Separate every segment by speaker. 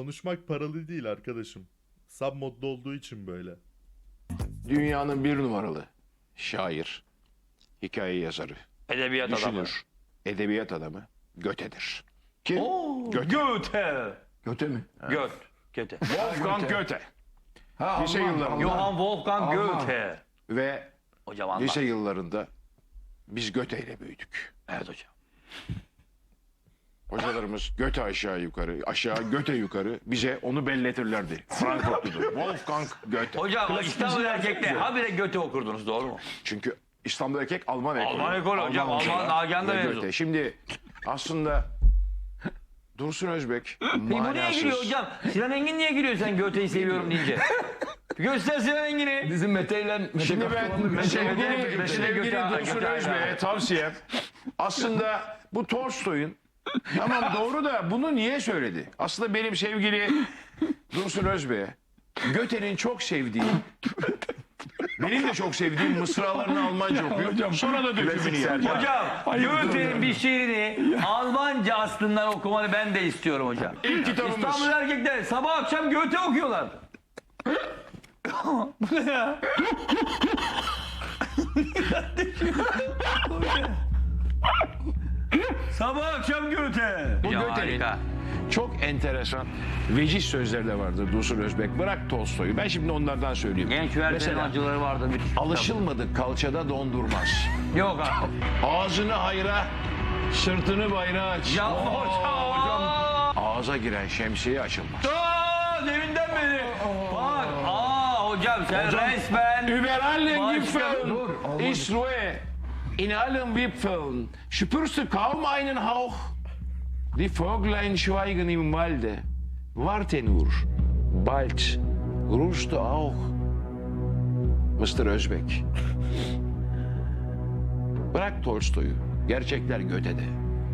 Speaker 1: Konuşmak paralı değil arkadaşım. Sub modda olduğu için böyle.
Speaker 2: Dünyanın bir numaralı şair, hikaye yazarı,
Speaker 3: Edebiyat adamı.
Speaker 2: düşünür, edebiyat adamı Göte'dir. Kim?
Speaker 3: Oo,
Speaker 2: Göte.
Speaker 3: Goethe.
Speaker 4: Göte mi?
Speaker 3: Goethe.
Speaker 2: Wolfgang Goethe.
Speaker 4: Ha,
Speaker 2: Lise
Speaker 4: Alman,
Speaker 2: yıllarında.
Speaker 4: Alman.
Speaker 3: Johann Wolfgang
Speaker 4: Alman.
Speaker 3: Goethe.
Speaker 2: Ve
Speaker 3: Hocam anlat.
Speaker 2: lise yıllarında biz Göte ile büyüdük.
Speaker 3: Evet hocam.
Speaker 2: Hocalarımız Göte aşağı yukarı, aşağı Göte yukarı bize onu belletirlerdi. Frankfurtludur. Wolfgang Goethe.
Speaker 3: Hocam İstanbul erkekte habire Goethe okurdunuz, doğru mu?
Speaker 2: Çünkü İstanbul Erkek Alman ekolü.
Speaker 3: Alman ekolü hocam, Alman Nagihan'da
Speaker 2: ve
Speaker 3: mezun.
Speaker 2: Goethe. Şimdi aslında Dursun Özbek
Speaker 3: Peki bu niye
Speaker 2: manasız.
Speaker 3: giriyor hocam? Sinan Engin niye giriyor sen Goethe'yi seviyorum deyince? Göster Sinan Engin'i.
Speaker 4: Bizim Mete ile Mete
Speaker 2: Şimdi
Speaker 4: Kaptan'la
Speaker 2: ben sevgili
Speaker 3: Göte-
Speaker 2: Dursun
Speaker 3: Göte-
Speaker 2: Özbek'e tavsiyem aslında bu Tolstoy'un tamam doğru da bunu niye söyledi? Aslında benim sevgili Dursun Özbek'e Göte'nin çok sevdiği benim de çok sevdiğim mısralarını Almanca okuyor. Sonra da dökümünü yer.
Speaker 3: Hocam Goethe'nin bir şiirini Almanca aslından okumanı ben de istiyorum hocam.
Speaker 2: İlk kitabımız.
Speaker 3: İstanbul erkekler sabah akşam Goethe okuyorlar. Bu ne ya? Sabah akşam Goethe.
Speaker 2: Bu Göte'nin çok enteresan veciz sözleri de vardır Dursun Özbek. Bırak Tolstoy'u. Ben şimdi onlardan söyleyeyim.
Speaker 3: Genç Werther'in
Speaker 2: Mesela
Speaker 3: acıları vardı.
Speaker 2: alışılmadık kalçada dondurmaz.
Speaker 3: Yok abi.
Speaker 2: Ağzını hayra, sırtını bayrağa aç.
Speaker 3: Ya hocam.
Speaker 2: Ağza giren şemsiye açılmaz.
Speaker 3: Deminden beri. Bak. Hocam sen resmen.
Speaker 2: Über allen
Speaker 3: Başka-
Speaker 2: Gipfeln ist Ruhe. In allen Wipfeln spürst du kaum einen Hauch. Die Vöglein schweigen im Walde. Warte nur. Bald ruhst du auch. Mr. Özbek. Bırak Tolstoy'u. Gerçekler Göte'de.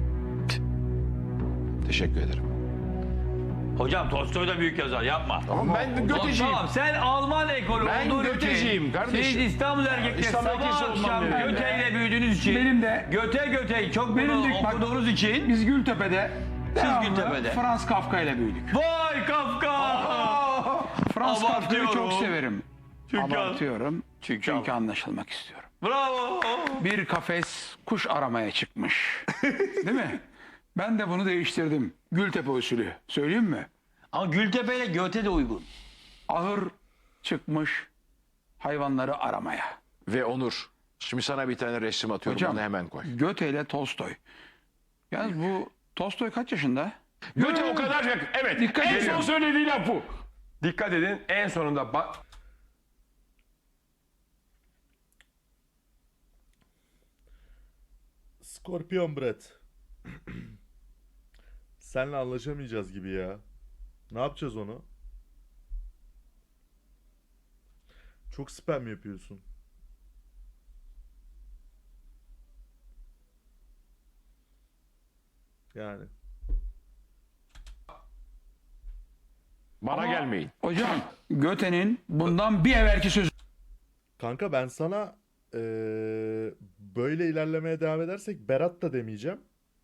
Speaker 2: Teşekkür ederim.
Speaker 3: Hocam Tolstoy da büyük yazar, yapma.
Speaker 2: Ama ben Göteciyim.
Speaker 3: Tamam, sen Alman ekolü
Speaker 2: Ben
Speaker 3: olduğun
Speaker 2: Göteciyim
Speaker 3: için,
Speaker 2: kardeşim.
Speaker 3: siz İstanbul erkekler
Speaker 2: İstanbul erkeği
Speaker 3: sabah
Speaker 2: olmam
Speaker 3: akşam
Speaker 2: yani.
Speaker 3: Göte ile büyüdüğünüz için,
Speaker 5: Benim de-
Speaker 3: Göte'yi çok
Speaker 5: Benim
Speaker 3: bunu
Speaker 5: de- bak-
Speaker 3: okuduğunuz için,
Speaker 5: Biz Gültepe'de devamlı
Speaker 3: Gültepe'de.
Speaker 5: Frans Kafka ile büyüdük.
Speaker 3: vay Kafka!
Speaker 5: Frans Kafka'yı
Speaker 3: Abartıyorum.
Speaker 5: çok severim.
Speaker 3: Çünkü-
Speaker 5: Abartıyorum.
Speaker 3: Çünkü-
Speaker 5: Çünkü anlaşılmak istiyorum.
Speaker 3: Bravo!
Speaker 5: Bir kafes kuş aramaya çıkmış. Değil mi? Ben de bunu değiştirdim. Gültepe usulü. Söyleyeyim mi?
Speaker 3: Ama Gültepe ile Göte de uygun.
Speaker 5: Ahır çıkmış hayvanları aramaya.
Speaker 2: Ve Onur. Şimdi sana bir tane resim atıyorum.
Speaker 5: Hocam,
Speaker 2: Onu hemen koy.
Speaker 5: Göte ile Tolstoy. Yalnız bu Tolstoy kaç yaşında?
Speaker 2: Göte o kadar evet.
Speaker 5: Dikkat
Speaker 2: en
Speaker 5: ediyorum.
Speaker 2: son söylediği laf bu.
Speaker 4: Dikkat edin en sonunda
Speaker 1: Scorpion Brett. Senle anlaşamayacağız gibi ya. Ne yapacağız onu? Çok spam yapıyorsun. Yani.
Speaker 2: Bana gelmeyin.
Speaker 5: Hocam Göte'nin bundan bir evvelki sözü
Speaker 1: Kanka ben sana böyle ilerlemeye devam edersek Berat da demeyeceğim.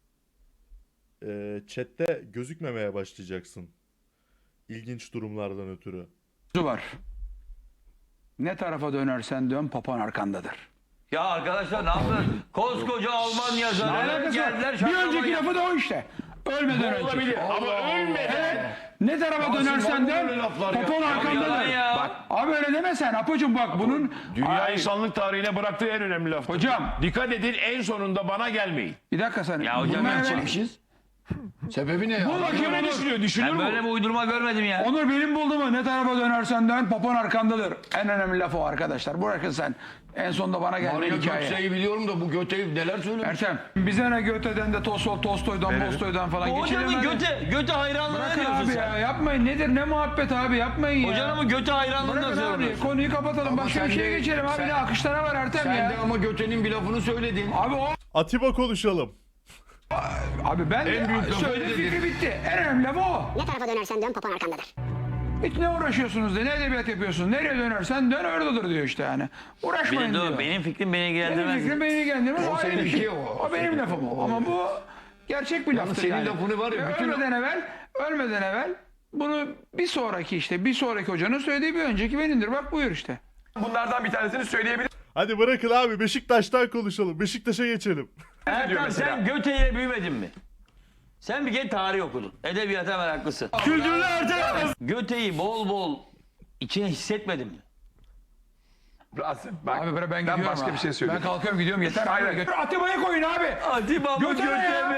Speaker 1: Chat'te gözükmemeye başlayacaksın. İlginç durumlardan ötürü.
Speaker 5: var. Ne tarafa dönersen dön papan arkandadır.
Speaker 3: Ya arkadaşlar ne yaptın? Koskoca Alman
Speaker 5: Ne
Speaker 3: yazarı
Speaker 5: alakası
Speaker 3: geldiler
Speaker 5: var? Bir
Speaker 3: şaklama
Speaker 5: önceki
Speaker 3: yaptı.
Speaker 5: lafı da o işte. Ölmeden önce.
Speaker 2: Olabilir ama ölmeden.
Speaker 5: Ne tarafa dönersen dön papan
Speaker 3: Yalan
Speaker 5: arkandadır.
Speaker 3: ya.
Speaker 5: Abi öyle deme sen Apocuğum bak bunun...
Speaker 2: Dünya
Speaker 5: Ay,
Speaker 2: insanlık tarihine bıraktığı en önemli laf.
Speaker 5: Hocam
Speaker 2: Dikkat edin en sonunda bana gelmeyin.
Speaker 5: bir dakika sen.
Speaker 3: Ya hocam ben
Speaker 4: çekmişiz. Sebebi ne ya?
Speaker 2: Kime düşünüyor? Düşünür
Speaker 3: Ben
Speaker 2: mü?
Speaker 3: böyle bir uydurma görmedim ya.
Speaker 5: Onur benim bulduğumu ne tarafa dönersen dön papan arkandadır. En önemli laf o arkadaşlar. Bırakın sen. En sonunda bana gelme
Speaker 4: Maria
Speaker 5: hikaye.
Speaker 4: Gökçe'yi biliyorum da bu Göte'yi neler söylemiş?
Speaker 5: Ertem bize ne Göte'den de Tolstoy'dan Bolstoy'dan falan
Speaker 3: Hocamın
Speaker 5: geçilemez.
Speaker 3: Göte hayranlığı ne
Speaker 5: Bırakın
Speaker 3: diyorsun
Speaker 5: abi
Speaker 3: sen?
Speaker 5: ya yapmayın nedir ne muhabbet abi yapmayın ya.
Speaker 3: Hocanın Göte hayranlığını
Speaker 5: Bırakın
Speaker 3: nasıl
Speaker 5: abi
Speaker 3: yorumluyorsun?
Speaker 5: konuyu kapatalım başka
Speaker 4: sen
Speaker 5: bir şeye
Speaker 4: de-
Speaker 5: geçelim abi
Speaker 4: sen-
Speaker 5: ne akışlara var Ertem
Speaker 4: Sen
Speaker 5: ya.
Speaker 4: de ama Göte'nin bir lafını söyledin.
Speaker 5: Abi o
Speaker 1: Atiba konuşalım.
Speaker 5: abi ben
Speaker 4: En büyük
Speaker 5: de
Speaker 4: lafı
Speaker 5: söyle
Speaker 4: dedin.
Speaker 5: fikri bitti. En önemli laf o.
Speaker 6: Ne tarafa dönersen dön papan arkandadır.
Speaker 5: Hiç ne uğraşıyorsunuz de ne edebiyat yapıyorsun nereye dönersen dön oradadır diyor işte yani. Uğraşmayın diyor.
Speaker 3: Benim fikrim beni
Speaker 5: Benim
Speaker 3: ilgilendirmez.
Speaker 5: fikrim beni ilgilendirmez. O ayrı bir
Speaker 4: seninki
Speaker 5: şey.
Speaker 4: o.
Speaker 5: O benim lafım o. Ama bu gerçek bir laftır
Speaker 4: senin
Speaker 5: yani.
Speaker 4: lafını var ya,
Speaker 5: Ve
Speaker 4: bütün-
Speaker 5: ölmeden evvel Bunu bir sonraki hocanın söylediği bir önceki benimdir. Bak buyur işte.
Speaker 4: Bunlardan bir tanesini söyleyebilir
Speaker 1: Hadi bırakın abi Beşiktaş'tan konuşalım. Beşiktaş'a geçelim.
Speaker 3: Erkan sen Göte'yle büyümedin mi? Sen bir kere tarih okudun. Edebiyata meraklısın. Kültürlü Ertem. Göte'yi bol bol içine hissetmedin mi?
Speaker 4: Rasim. Bak,
Speaker 5: Abi ben gidiyorum.
Speaker 4: başka
Speaker 5: ha.
Speaker 4: bir şey söyleyeyim.
Speaker 5: Ben kalkıyorum gidiyorum yeter.
Speaker 4: Hayır.
Speaker 5: Abi, Atiba'yı koyun abi.
Speaker 3: Atiba mı
Speaker 5: Göte ne
Speaker 3: Göte
Speaker 5: ya?
Speaker 3: mi?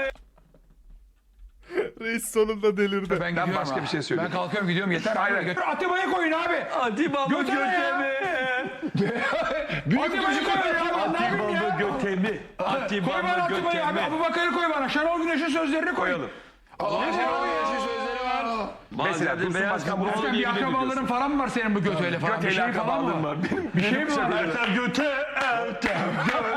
Speaker 1: Reis sonunda delirdi.
Speaker 5: Ben gidiyorum.
Speaker 4: başka
Speaker 5: ha.
Speaker 4: bir şey söyleyeyim.
Speaker 5: Ben kalkıyorum gidiyorum yeter.
Speaker 4: Hayır.
Speaker 5: Abi, Atiba'yı koyun abi.
Speaker 3: Atiba mı
Speaker 5: Göte ne
Speaker 3: Göte
Speaker 5: ya?
Speaker 3: mi?
Speaker 5: Atiba'yı koyun abi. Ne yapayım ya?
Speaker 3: Göte mi? Atiba
Speaker 5: Koy bana
Speaker 3: mı
Speaker 5: Atiba'yı
Speaker 3: Göte
Speaker 5: abi.
Speaker 3: mi?
Speaker 5: Abubakar'ı koy bana. Şenol Güneş'in sözlerini koyalım.
Speaker 4: Mesela
Speaker 3: Bazen
Speaker 4: Dursun
Speaker 3: beyaz
Speaker 4: Başkan bunu
Speaker 3: futbol
Speaker 5: Sen bir
Speaker 4: yemin ediyorsun.
Speaker 5: akrabaların falan mı var senin bu Göte'yle falan?
Speaker 4: Göte'yle
Speaker 5: Bir şey falan mı
Speaker 4: akrabalığım
Speaker 5: var?
Speaker 4: var.
Speaker 5: Bir şey mi var?
Speaker 3: Ertem Göte, Ertem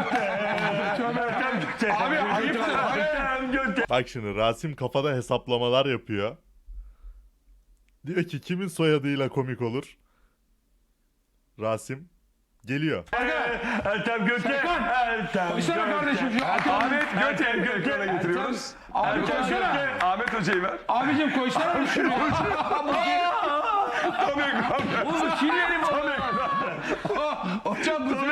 Speaker 3: Göte.
Speaker 5: Abi ayıptır.
Speaker 3: Ertem Göte.
Speaker 1: Bak şimdi Rasim kafada hesaplamalar yapıyor. Diyor ki kimin soyadıyla komik olur? Rasim geliyor.
Speaker 3: Ertem Göte. Ertem
Speaker 5: Koysana kardeşim şu
Speaker 4: Ahmet Göte
Speaker 3: Ertem Göte.
Speaker 4: ekrana getiriyoruz.
Speaker 5: Abi koysana.
Speaker 4: Ahmet Hoca'yı ver.
Speaker 5: Abicim koysana şunu.
Speaker 3: Bu Şile'nin
Speaker 5: Hocam bu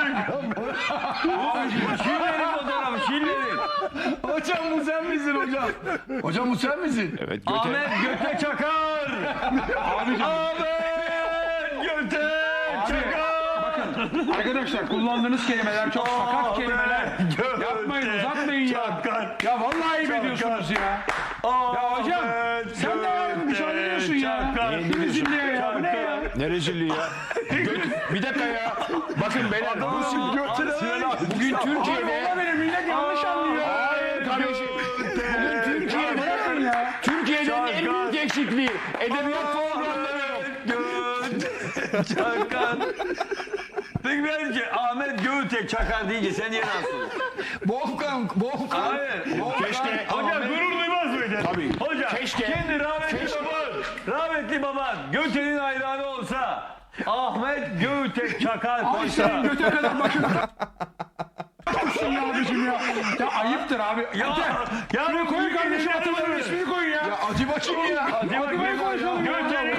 Speaker 3: Şile'nin fotoğrafı Şile'nin.
Speaker 5: Hocam bu sen misin hocam? Hocam bu sen misin?
Speaker 2: Evet
Speaker 3: Ahmet Göte Çakar.
Speaker 5: Abicim.
Speaker 3: Ahmet Göte Çakar.
Speaker 5: Bakın arkadaşlar kullandığınız kelimeler çok sakat kelimeler. Yapmayın uzatmayın ya. Ya vallahi ayıp ediyorsunuz ya. Ya hocam sen de yarın müsaade ediyorsun ya. Ne rezilliğe ya bu ne ya?
Speaker 2: Ne rezilliği ya. Bir dakika ya. Bakın beyler. Bugün Türkiye'de...
Speaker 5: Valla benim millet yanlış anlıyor.
Speaker 2: Hayır kardeşim. Bugün Türkiye'de...
Speaker 5: Bırakın ya.
Speaker 2: Türkiye'nin en büyük eksikliği. Edebiyat programları yok.
Speaker 3: Çakar. Peki bence Ahmet Göte Çakar deyince sen niye rahatsız oluyorsun?
Speaker 5: Volkan.
Speaker 3: Hayır.
Speaker 2: Keşke...
Speaker 3: Hocam gurur duymaz mıydın?
Speaker 2: Tabii.
Speaker 3: Hocam
Speaker 2: Keşke-
Speaker 3: kendi rahmetli baban Göte'nin hayranı olsa Ahmet Göte Çakar
Speaker 5: Abi
Speaker 3: koysa.
Speaker 5: senin göte kadar başın. Olsun ya abicim ya. Ya ayıptır abi.
Speaker 3: Ya
Speaker 5: Şuraya koyun kardeşim Atiba'nın ismini koyun ya.
Speaker 2: Acı bakayım ya.
Speaker 5: Atiba'yı koyun.
Speaker 3: Göte'nin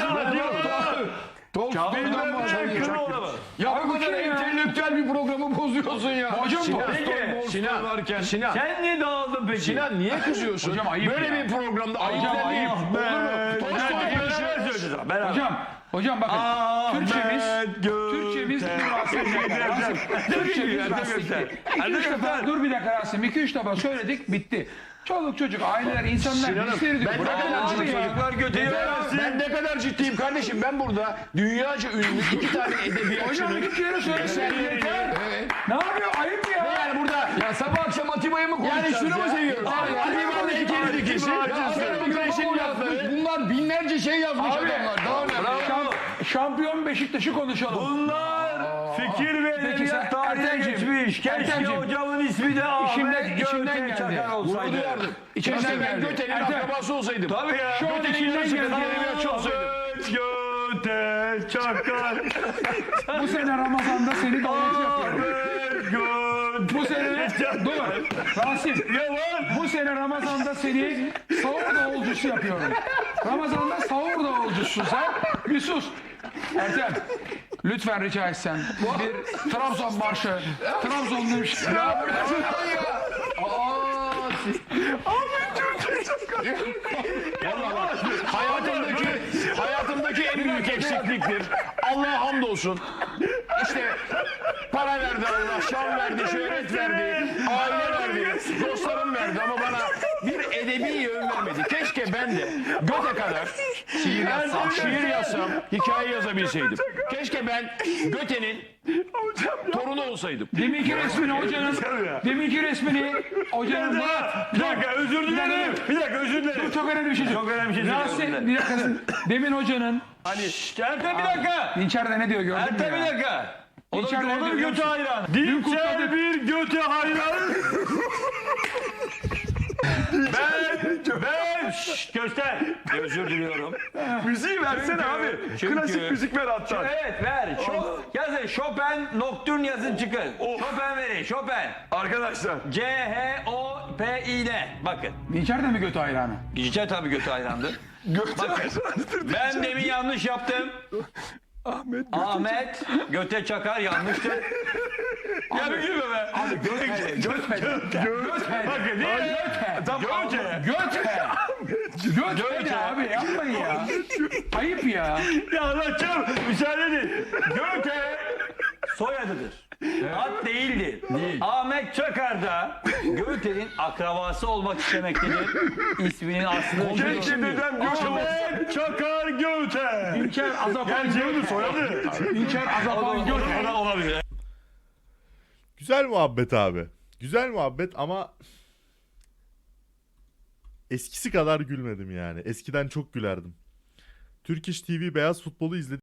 Speaker 2: Bilmem ya bu kadar entelektüel bir programı bozuyorsun ya.
Speaker 5: Hocam bu.
Speaker 2: Sinan.
Speaker 3: Sen niye dağıldın peki?
Speaker 2: Sinan niye kızıyorsun?
Speaker 5: Hocam ayıp
Speaker 2: Böyle
Speaker 5: ya.
Speaker 2: bir programda ayıp
Speaker 5: Hocam
Speaker 2: denir.
Speaker 5: ayıp. Hocam bakın Türkçemiz Rasim. Türkçemiz Rasim'di. Dur bir dakika Rasim. 2-3 defa söyledik bitti. Çoluk çocuk, aileler, insanlar bizleri
Speaker 2: ben ne
Speaker 5: bırakın
Speaker 2: kadar
Speaker 5: abi
Speaker 2: ciddiyim.
Speaker 5: ya.
Speaker 3: Çocuklar Göte'yi versin.
Speaker 2: Ben ne kadar ciddiyim kardeşim. Ben burada dünyaca ünlü iki tane
Speaker 5: Hocam
Speaker 2: edebiyatçının
Speaker 5: bir kere söylesin yeter. Ne yapıyor? Ayıp ya.
Speaker 2: yani burada
Speaker 4: Ya sabah akşam Atiba'yı mı konuşacağız
Speaker 2: yani şunu mu seviyoruz? Atiba'nın iki dikisi. Güneş'in lafları.
Speaker 4: Bunlar binlerce şey yazmış adamlar. Daha ne?
Speaker 5: Şampiyon Beşiktaş'ı konuşalım.
Speaker 3: Bunlar fikir ve
Speaker 5: Peki sen-
Speaker 3: edebiyat tarihe
Speaker 5: Ertemciğim,
Speaker 3: geçmiş. Keşke
Speaker 5: Ertemciğim.
Speaker 3: hocamın ismi de Ahmet
Speaker 5: içimden
Speaker 3: Göte
Speaker 5: geldi.
Speaker 3: Çakar olsaydı.
Speaker 5: İçinden
Speaker 2: Keşke ben
Speaker 5: geldi.
Speaker 2: Göte'nin
Speaker 5: Ertem,
Speaker 2: akrabası olsaydım.
Speaker 3: Tabii ya.
Speaker 5: Şu an içinden geldi.
Speaker 2: edebiyatçı olsaydım.
Speaker 3: Göte Çakar.
Speaker 5: Bu sene Ramazan'da seni davulcu yapıyorum.
Speaker 3: Göte.
Speaker 5: Bu sene dur Rasim. Bu sene Ramazan'da seni sahur davulcusu yapıyorum. Ramazan'da sahur davulcusun sen. Bir sus. Ertem. Lütfen rica etsem. Bir Trabzon marşı. Trabzonlu bir şey. Ya
Speaker 2: Hayatımdaki en büyük eksikliktir. Allah'a hamdolsun. İşte para verdi Allah, şan verdi, şöhret verdi, aile verdi, dostlarım verdi ama bana bir edebi yön vermedi. Keşke ben de Göte kadar şiir yazsam, hikaye yazabilseydim. Keşke ben Göte'nin torunu olsaydım.
Speaker 5: Deminki resmini hocanın. Deminki resmini hocanın.
Speaker 3: Bir dakika özür dilerim. Bir dakika özür dilerim.
Speaker 5: Çok önemli bir şey.
Speaker 3: Çok önemli bir şey
Speaker 5: Rasim,
Speaker 3: söylüyorum.
Speaker 5: bir dakika. Demin hocanın.
Speaker 3: Ertem bir dakika.
Speaker 5: Dinçer'de ne diyor gördün mü
Speaker 3: Ertem bir
Speaker 5: ya?
Speaker 3: dakika. O
Speaker 5: Dinçer
Speaker 3: da
Speaker 5: ne
Speaker 3: olur
Speaker 5: diyor?
Speaker 3: Göte hayran.
Speaker 5: Dün
Speaker 3: Dinçer
Speaker 5: kutladık.
Speaker 3: bir Göte hayran. ben göster. Özür diliyorum.
Speaker 4: Müziği versene abi.
Speaker 3: Çünkü-
Speaker 4: Klasik müzik ver hatta.
Speaker 3: Evet ver. Yazın Chopin Nocturne yazın çıkın. Chopin verin. Chopin.
Speaker 4: Arkadaşlar.
Speaker 3: C-H-O-P-I-N. Bakın.
Speaker 5: Dinçer de mi götü hayranı?
Speaker 3: Dinçer tabii Göte hayrandır. Ben demin yanlış yaptım. Ahmet Göte Çakar yanlıştır. Ya bir gülme be.
Speaker 5: Abi Göte. Bakın niye? Göte ne abi yapmayın ya. Ayıp ya.
Speaker 3: Ya anlatacağım. Müsaade edin. Göte soyadıdır. Ad değildir. Ahmet Çakar da Göte'nin akrabası olmak istemektedir. İsminin aslında Ahmet Çakar Göte.
Speaker 5: İlker Azapan Göte.
Speaker 3: Soyadı.
Speaker 5: İlker Azapan Göte.
Speaker 3: Olabilir.
Speaker 1: Güzel muhabbet abi. Güzel muhabbet ama eskisi kadar gülmedim yani. Eskiden çok gülerdim. Turkish TV beyaz futbolu izledim.